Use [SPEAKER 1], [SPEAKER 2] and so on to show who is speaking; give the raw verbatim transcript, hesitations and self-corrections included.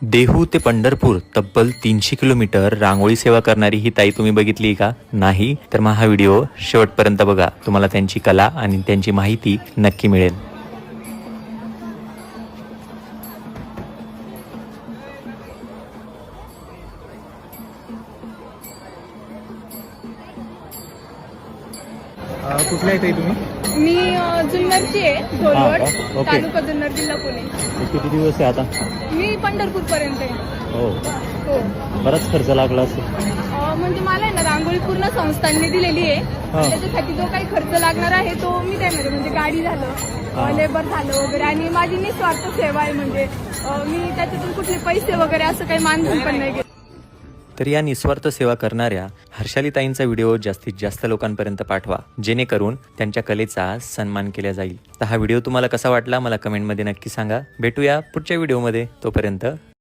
[SPEAKER 1] देहू ते पंढरपूर तब्बल तीनशे किलोमीटर रांगोळी सेवा करणारी ही ताई तुम्ही बघितली का? नाही तर मग हा व्हिडिओ शेवटपर्यंत बघा, तुम्हाला त्यांची कला आणि त्यांची माहिती नक्की मिळेल.
[SPEAKER 2] कुठल्या आहे ताई तुम्ही?
[SPEAKER 3] मी अ, जुन्नरची आहे,
[SPEAKER 2] हा
[SPEAKER 3] घोलवड,
[SPEAKER 2] का? ओके.
[SPEAKER 3] तालुका जुन्नर, जिल्हा पुणे.
[SPEAKER 2] किती दिवस आहे आता?
[SPEAKER 3] मी पंढरपूर पर्यंत आहे.
[SPEAKER 2] हो,
[SPEAKER 3] हो.
[SPEAKER 2] बराच खर्च लागला असेल.
[SPEAKER 3] अ, म्हणजे मला आहे ना रांगोळी पूर्ण संस्थांनी दिलेली आहे.
[SPEAKER 2] हा.
[SPEAKER 3] त्याच्यासाठी जो काही खर्च लागणार आहे तो मी देणार आहे. म्हणजे गाडी
[SPEAKER 2] हा.
[SPEAKER 3] झालं, लेबर झालं वगैरे, आणि माझी निस्वार्थ सेवा आहे. म्हणजे अ, मी त्याच्यातून कुठले पैसे वगैरे असं काही मानधन पण नाही घेत.
[SPEAKER 1] तर या निस्वार्थ सेवा करणाऱ्या हर्षालीताईंचा व्हिडिओ जास्तीत जास्त लोकांपर्यंत पाठवा, जेणेकरून त्यांच्या कलेचा सन्मान केला जाईल. तर हा व्हिडिओ तुम्हाला कसा वाटला मला कमेंटमध्ये नक्की सांगा. भेटूया पुढच्या व्हिडिओमध्ये. तोपर्यंत